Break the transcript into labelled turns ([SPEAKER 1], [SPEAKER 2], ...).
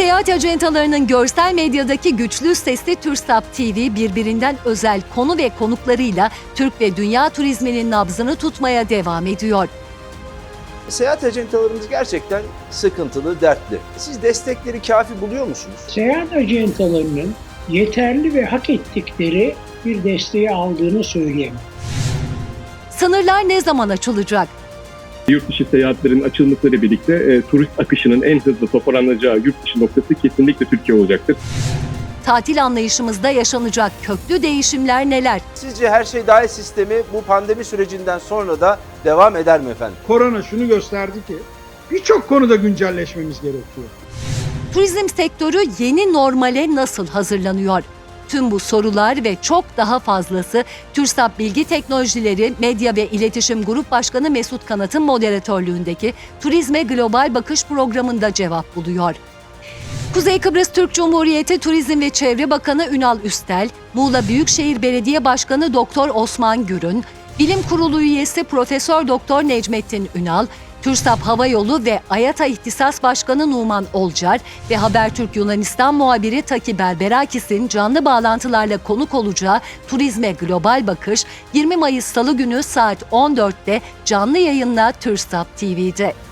[SPEAKER 1] Seyahat acentalarının görsel medyadaki güçlü sesli TürkSat TV birbirinden özel konu ve konuklarıyla Türk ve dünya turizminin nabzını tutmaya devam ediyor.
[SPEAKER 2] Seyahat acentalarımız gerçekten sıkıntılı, dertli. Siz destekleri kafi buluyor musunuz?
[SPEAKER 3] Seyahat acentalarının yeterli ve hak ettikleri bir desteği aldığını söyleyemem.
[SPEAKER 1] Sınırlar ne zaman açılacak?
[SPEAKER 4] Yurt dışı seyahatlerin açılmasıyla birlikte turist akışının en hızlı toparlanacağı yurt dışı noktası kesinlikle Türkiye olacaktır.
[SPEAKER 1] Tatil anlayışımızda yaşanacak köklü değişimler neler?
[SPEAKER 2] Sizce her şey dahil sistemi bu pandemi sürecinden sonra da devam eder mi efendim?
[SPEAKER 5] Korona şunu gösterdi ki birçok konuda güncelleşmemiz gerekiyor.
[SPEAKER 1] Turizm sektörü yeni normale nasıl hazırlanıyor? Tüm bu sorular ve çok daha fazlası TürkSat Bilgi Teknolojileri Medya ve İletişim Grup Başkanı Mesut Kanat'ın moderatörlüğündeki Turizme Global Bakış programında cevap buluyor. Kuzey Kıbrıs Türk Cumhuriyeti Turizm ve Çevre Bakanı Ünal Üstel, Muğla Büyükşehir Belediye Başkanı Doktor Osman Gürün, Bilim Kurulu üyesi Profesör Doktor Necmettin Ünal, TürkSat Hava Yolu ve AYATA İhtisas Başkanı Numan Olcar ve Habertürk Yunanistan muhabiri Taki Berberakis'in canlı bağlantılarla konuk olacağı Turizme Global Bakış 20 Mayıs Salı günü saat 14'te canlı yayınla TürkSat TV'de.